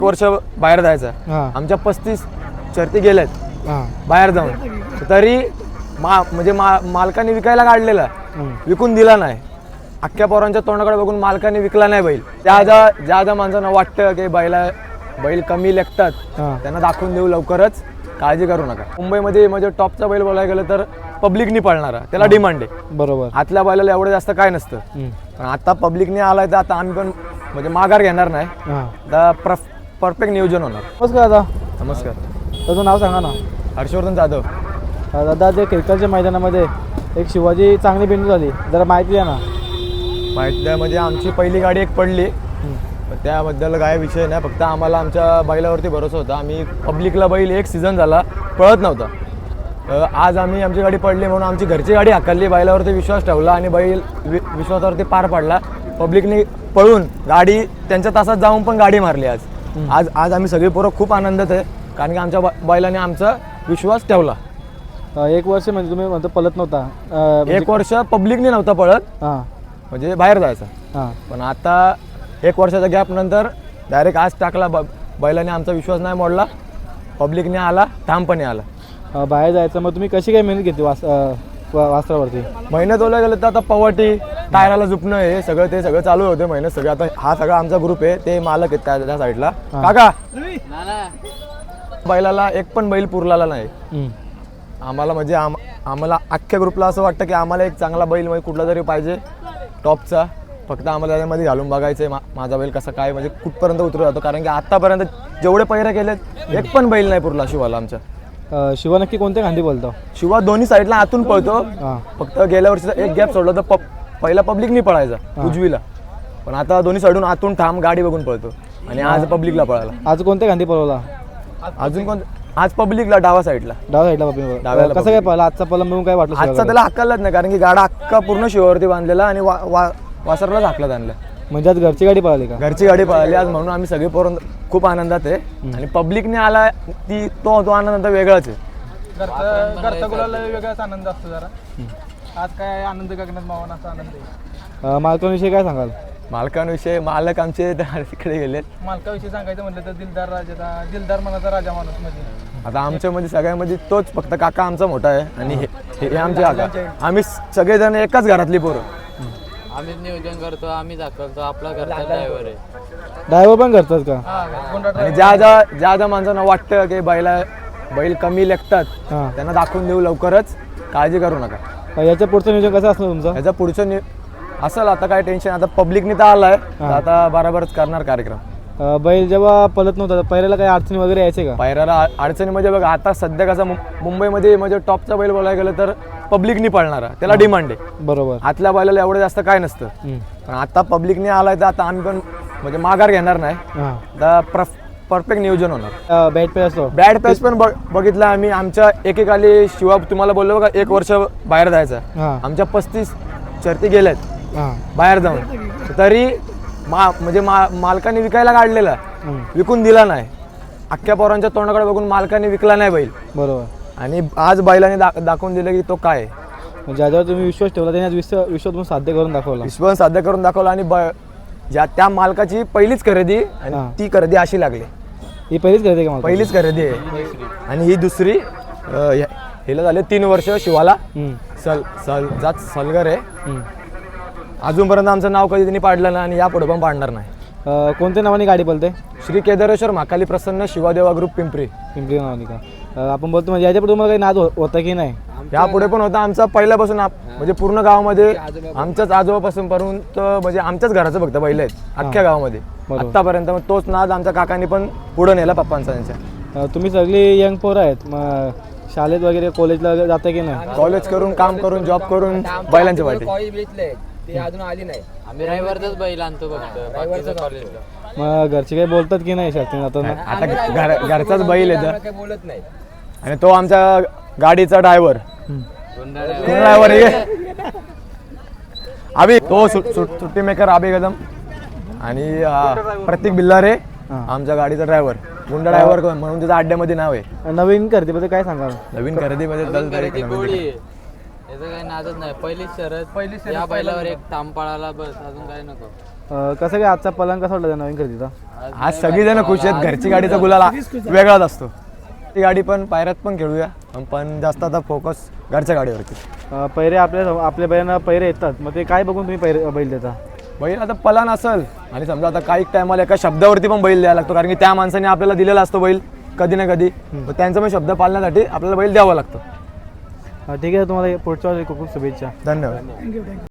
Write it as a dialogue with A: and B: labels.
A: वर्ष बाहेर जायचं आमच्या 35 शर्ती गेल्यात बाहेर जाऊन तरी म्हणजे मालकाने विकायला काढलेला विकून दिला नाही. अख्ख्या पोरांच्या तोंडाकडे बघून मालकाने विकला नाही बैल. ज्या माणसांना वाटतं की बैल कमी लेखतात त्यांना दाखवून देऊ लवकरच, काळजी करू नका. मुंबईमध्ये म्हणजे टॉपचा बैल बोलायला गेलं तर पब्लिकनी पळणारा त्याला डिमांड आहे.
B: नमस्कार दादा.
A: नमस्कार.
B: तुझं नाव सांगा ना.
A: हर्षवर्धन जाधव.
B: दादा ते क्रिकेटच्या मैदानामध्ये एक शिवाजी चांगली बिंदू झाली, जरा माहिती द्या ना.
A: माहिती आमची पहिली गाडी एक पडली, त्याबद्दल काय विषय नाही. फक्त आम्हाला आमच्या बैलावरती भरोसा होता. आम्ही पब्लिकला बैल एक सीझन झाला पळत नव्हता. आज आम्ही आमची गाडी पडली म्हणून आमची घरची गाडी हाकलली, बैलावरती विश्वास ठेवला आणि बैल विश्वासावरती पार पाडला. पब्लिकने पळून गाडी त्यांच्या तासात जाऊन पण गाडी मारली. आज आम्ही सगळी पोरं खूप आनंदात आहे, कारण की आमच्या बैलाने आमचा विश्वास ठेवला.
B: एक वर्ष म्हणजे तुम्ही म्हणतो पळत नव्हता,
A: एक वर्ष पब्लिकने नव्हता पळत, म्हणजे बाहेर जायचा. पण आता एक वर्षाच्या गॅप नंतर डायरेक्ट आज टाकला. बैलाने आमचा विश्वास नाही मोडला, पब्लिकने आला, ठामपणे आला.
B: बाहेर जायचं. मग तुम्ही कशी काय मेहनत घेतली वासरावरती?
A: मेहनत ओला गेलं तर आता पवटी टायराला झुपणं हे सगळं चालू होते मेहनत सगळं. आता हा सगळा आमचा ग्रुप आहे, ते मालक आहेत त्या साईडला. काका बैलाला एक पण बैल पुरला नाही आम्हाला. म्हणजे आम्हाला अख्ख्या ग्रुपला असं वाटतं की आम्हाला एक चांगला बैल म्हणजे कुठला तरी पाहिजे टॉपचा. फक्त आम्हाला त्याच्यामध्ये घालून बघायचं आहे माझा बैल कसा काय म्हणजे कुठपर्यंत उतरू जातो, कारण की आतापर्यंत जेवढे पैरे केलेत एक पण बैल नाही पुरला शिवाला आमच्या.
B: शिवा नक्की कोणत्या खांदी बोलतो?
A: शिवा दोन्ही साईडला आतून पळतो. फक्त गेल्या वर्षीचा एक गॅप सोडला तर पहिला पब्लिकनी पळायचा उजवीला, पण आता दोन्ही साईडून आतून ठाम गाडी बघून पळतो. आणि आज पब्लिकला पळाला.
B: आज कोणत्या खांदी पळवला?
A: अजून कोण? आज पब्लिकला डावा साईडला.
B: डाव्याला कसं काय पळला? आजचा पळला म्हणून काय वाटलं?
A: आजचा त्याला हक्कालाच नाही, कारण की गाडा अख्खा पूर्ण शिवावरती बांधलेला आणि वासरलाच हाकलात आणलं.
B: म्हणजे आज घरची गाडी पळाली का?
A: घरची गाडी पळाली आज, म्हणून आम्ही सगळे पोरं खूप आनंदात आहे. आणि पब्लिकने आला तो आनंद वेगळाच आहे.
B: घरचा गुलाला वेगळाच आनंद असतो जरा. आज काय आनंद गगनात मावनाचा आनंद आहे. मालकांविषयी काय सांगाल?
A: मालकांविषयी मालक आमचे तिकडे गेलेत.
B: मालकाविषयी सांगायचं म्हटलं तर दिलदार मनाचा राजा माणूस. म्हणजे
A: आता आमच्यामध्ये सगळ्यामध्ये तोच फक्त काका आमचा मोठा आहे आणि हे आमचे काका. आम्ही सगळेजण एकाच घरातली पोरं.
C: आम्हीच नियोजन करतो, आम्ही दाखवतो. आपला घरचा ड्रायव्हर आहे.
B: ड्रायव्हर पण करतात का?
A: आणि ज्या माणसांना वाटतं की बैल कमी लेखतात त्यांना दाखवून देऊ लवकरच, काळजी करू नका.
B: याच्या पुढचं नियोजन कसं असलं तुमचं?
A: याच्या पुढचं असेल आता काय टेन्शन. आता पब्लिकनी तर आलाय, आता बरोबरच करणार कार्यक्रम.
B: बैल जेव्हा पळत नव्हता पहिल्याला काही अडचणी वगैरे यायचे का?
A: पायऱ्याला अडचणी म्हणजे बघा, आता सध्या कसं मुंबईमध्ये म्हणजे टॉपचा बैल बोलायला गेलं तर पब्लिकनी पळणारा त्याला डिमांड आहे.
B: बरोबर.
A: आतल्या बैलाला एवढं जास्त काय नसतं, पण आता पब्लिकने आलाय तर आता आम्ही पण म्हणजे माघार घेणार नाही. आता परफेक्ट नियोजन होणार.
B: बॅट पेस असतो.
A: बॅड पेस पण बघितला आम्ही. आमच्या एकेकाली शिवा तुम्हाला बोललो बघा, एक वर्ष बाहेर जायचं आमच्या 35 शर्ती गेल्यात बाहेर जाऊन तरी म्हणजे मालकाने विकायला काढलेला विकून दिला नाही. अख्ख्या पोरांच्या तोंडाकडे बघून मालकाने विकला नाही बैल.
B: बरोबर.
A: आणि आज बैलाने दाखवून दिलं की तो काय.
B: ज्याच्यावर तुम्ही विश्वास ठेवला त्याने विश्वास तुम्ही साध्य करून दाखवला.
A: विश्वास साध्य करून दाखवला. आणि त्या मालकाची पहिलीच खरेदी आणि ती खरेदी अशी लागली.
B: ही पहिलीच खरेदी का?
A: पहिलीच खरेदी आहे. आणि ही दुसरी हिला झाले 3 वर्ष शिवाला. सलगर आहे. अजूनपर्यंत आमचं नाव कधी त्यांनी पाडलं नाही आणि यापुढे पण पाडणार नाही.
B: कोणत्या नावाने गाडी बोलते?
A: श्री केदारेश्वर महाकाली प्रसन्न शिवादेवा ग्रुप पिंपरी
B: नावाने का? आपण बोलतो म्हणजे याच्यापुढे तुम्हाला काही नाद होता की नाही?
A: यापुढे पण होता आमचा पहिल्यापासून. म्हणजे पूर्ण गावामध्ये आमच्याच आजोबापासून पर्यंत म्हणजे आमच्याच घराचं फक्त बैल आहेत अख्ख्या गावामध्ये आतापर्यंत. मग तोच नाद आमच्या काकांनी पण पुढे नेला पप्पांचा त्यांच्या.
B: तुम्ही सगळी यंग पोरं आहेत, मग शाळेत वगैरे कॉलेजला जाता की नाही?
A: कॉलेज करून, काम करून, जॉब करून बैलांच्या वाटे.
C: ती अजून आली नाही. आम्ही ड्रायव्हरचाच बैल आणतो फक्त कॉलेजला.
B: मग घरचे काही बोलतात की नाही शर्ती जाताना?
A: आता घरचाच बैल आहे
C: काही बोलत नाही.
A: आणि तो आमच्या गाडीचा ड्रायव्हर अभि, तो सुट्टी मेकर अभि कदम. आणि प्रतीक बिल्लारे आमच्या गाडीचा ड्रायव्हर, गुंडा ड्रायव्हर म्हणून त्याच्या अड्ड्यामध्ये नाव आहे.
B: नवीन खरेदीमध्ये काय सांगाल?
A: नवीन खरेदीमध्ये
C: याचं काही नादच नाही. पहिलीच शरद, या बैलावर एक ताम पळाला, बस. अजून काय नको.
B: कसं काय आजचा पलंग कसा वाटला त्या नवीन खरेदीचा?
A: आज सगळीजण खुश आहेत. घरची गाडीचा गुलाल वेगळाच असतो. ती गाडी पण पायऱ्यात पण खेळूया, पण जास्त आता फोकस घरच्या गाडीवरती.
B: पैरे आपल्या बैलांना पैरे येतात, मग ते काय बघून तुम्ही बैल देता?
A: बैल आता पलान असेल आणि समजा आता काही टायमाला एका शब्दावरती पण बैल द्यावा लागतो, कारण की त्या माणसाने आपल्याला दिलेला असतो बैल कधी ना कधी. त्यांचा पण शब्द पाळण्यासाठी आपल्याला बैल द्यावा लागतो.
B: ठीक आहे, तुम्हाला पुढच्या वेळेस खूप खूप शुभेच्छा.
A: धन्यवाद.